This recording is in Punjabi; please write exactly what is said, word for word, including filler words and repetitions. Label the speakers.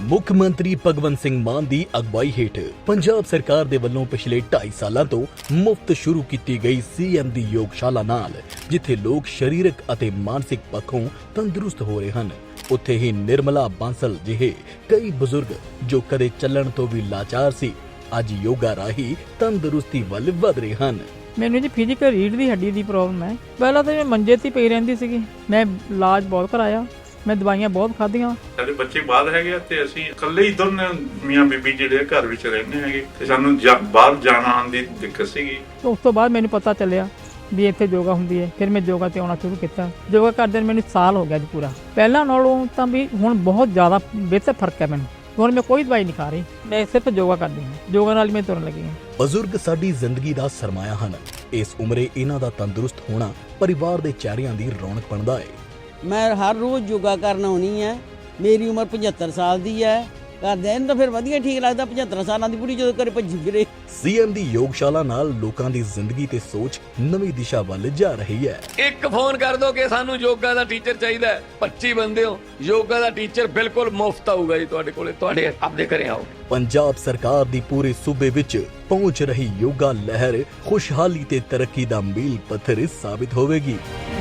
Speaker 1: ਮੁੱਖ ਮੰਤਰੀ ਭਗਵੰਤ ਸਿੰਘ ਮਾਨ ਦੀ ਅਗਵਾਈ ਹੇਠ ਪੰਜਾਬ ਸਰਕਾਰ ਦੇ ਵੱਲੋਂ ਪਿਛਲੇ ਢਾਈ ਸਾਲਾਂ ਤੋਂ ਮੁਫਤ ਸ਼ੁਰੂ ਕੀਤੀ ਗਈ ਸੀ ਐਮ ਦੀ ਯੋਗਸ਼ਾਲਾ ਨਾਲ ਜਿੱਥੇ ਲੋਕ ਸਰੀਰਕ ਅਤੇ ਮਾਨਸਿਕ ਪੱਖੋਂ ਤੰਦਰੁਸਤ ਹੋ ਰਹੇ ਹਨ, ਉੱਥੇ ਹੀ ਨਿਰਮਲਾ ਬਾਂਸਲ ਜਿਹੇ ਕਈ ਬਜ਼ੁਰਗ ਜੋ ਕਦੇ ਚੱਲਣ ਤੋਂ ਵੀ ਲਾਚਾਰ ਸੀ, ਅੱਜ ਯੋਗਾ ਰਾਹੀਂ ਤੰਦਰੁਸਤੀ ਵੱਲ ਵਧ ਰਹੇ ਹਨ।
Speaker 2: ਮੈਨੂੰ ਜੀ ਫਿਜ਼ੀਕਲ ਰੀੜ ਦੀ ਹੱਡੀ ਦੀ ਪ੍ਰੋਬਲਮ ਹੈ। ਪਹਿਲਾਂ ਤਾਂ ਮੈਂ ਮੰਜੇ 'ਤੇ ਪਈ ਰਹਿੰਦੀ ਸੀਗੀ, ਮੈਂ ਇਲਾਜ ਬਹੁਤ ਕਰਾਇਆ, ਮੈਂ ਦਵਾਈਆਂ ਬਹੁਤ ਖਾਧੀਆਂ।
Speaker 3: ਸਾਡੇ ਬੱਚੇ ਬਾਹਰ ਹੈਗੇ ਤੇ ਅਸੀਂ ਇਕੱਲੇ ਹੀ ਦੋਨੇ ਮੀਆਂ ਬੀਬੀ ਜਿਹੜੇ ਘਰ ਵਿੱਚ ਰਹਿੰਦੇ ਹੈਗੇ ਤੇ ਸਾਨੂੰ ਬਾਹਰ ਜਾਣ ਆਉਣ ਦੀ ਦਿੱਕਤ ਸੀਗੀ।
Speaker 2: ਉਸ ਤੋਂ ਬਾਅਦ ਮੈਨੂੰ ਪਤਾ ਚੱਲਿਆ ਵੀ ਇੱਥੇ ਯੋਗਾ ਹੁੰਦੀ ਹੈ, ਫਿਰ ਮੈਂ ਯੋਗਾ ਤੇ ਆਉਣਾ ਸ਼ੁਰੂ ਕੀਤਾ। ਯੋਗਾ ਕਰਦੇ ਨੂੰ ਮੈਨੂੰ ਸਾਲ ਹੋ ਗਿਆ ਜੀ ਪੂਰਾ। ਪਹਿਲਾਂ ਨਾਲੋਂ ਤਾਂ ਵੀ ਹੁਣ ਬਹੁਤ ਜ਼ਿਆਦਾ ਬਿਹਤਰ ਫਰਕ ਹੈ ਮੈਨੂੰ। ਹੁਣ ਮੈਂ ਕੋਈ ਦਵਾਈ ਨਹੀਂ ਖਾ ਰਹੀ, ਮੈਂ ਸਿਰਫ ਯੋਗਾ ਕਰਦੀ ਹਾਂ, ਯੋਗਾ ਨਾਲ ਹੀ ਮੈਂ ਤੁਰਨ ਲੱਗੀ ਹਾਂ।
Speaker 1: ਬਜ਼ੁਰਗ ਸਾਡੀ ਜ਼ਿੰਦਗੀ ਦਾ ਸਰਮਾਇਆ ਹਨ। ਇਸ ਉਮਰੇ ਇਹਨਾਂ ਦਾ ਤੰਦਰੁਸਤ ਹੋਣਾ ਪਰਿਵਾਰ ਦੇ ਚਿਹਰਿਆਂ ਦੀ ਰੌਣਕ ਬਣਦਾ ਹੈ।
Speaker 4: ਮੈਂ ਹਰ ਰੋਜ਼ ਯੋਗਾ ਕਰਨ ਆਉਣੀ ਹੈ। ਮੇਰੀ ਉਮਰ ਪਝੱਤਰ ਸਾਲ ਦੀ ਹੈ। ਕਰਦੇ ਇਹਨੂੰ ਤਾਂ ਫਿਰ ਵਧੀਆ ਠੀਕ ਲੱਗਦਾ, ਪਝੱਤਰ ਸਾਲਾਂ ਦੀ ਬੁੜੀ ਜਦੋਂ ਘਰੇ ਭੱਜੀ ਫਿਰੇ।
Speaker 1: ਸੀ ਐਮ ਦੀ ਯੋਗਸ਼ਾਲਾ ਨਾਲ ਲੋਕਾਂ ਦੀ ਜ਼ਿੰਦਗੀ ਤੇ ਸੋਚ ਨਵੀਂ ਦਿਸ਼ਾ ਵੱਲ ਜਾ ਰਹੀ ਹੈ।
Speaker 5: ਇੱਕ ਫੋਨ ਕਰ ਦੋ ਕਿ ਸਾਨੂੰ ਯੋਗਾ ਦਾ ਟੀਚਰ ਚਾਹੀਦਾ ਹੈ, ਪੱਚੀ ਬੰਦੇ ਹੋ, ਯੋਗਾ ਦਾ ਟੀਚਰ ਬਿਲਕੁਲ ਮੁਫਤ ਆਊਗਾ ਜੀ ਤੁਹਾਡੇ ਕੋਲੇ, ਤੁਹਾਡੇ ਆਪਦੇ ਘਰੇ ਆਓ।
Speaker 1: ਪੰਜਾਬ ਸਰਕਾਰ ਦੀ ਪੂਰੇ ਸੂਬੇ ਵਿੱਚ ਪਹੁੰਚ ਰਹੀ ਯੋਗਾ ਲਹਿਰ ਖੁਸ਼ਹਾਲੀ ਤੇ ਤਰੱਕੀ ਦਾ ਮੀਲ ਪੱਥਰ ਸਾਬਿਤ ਹੋਵੇਗੀ।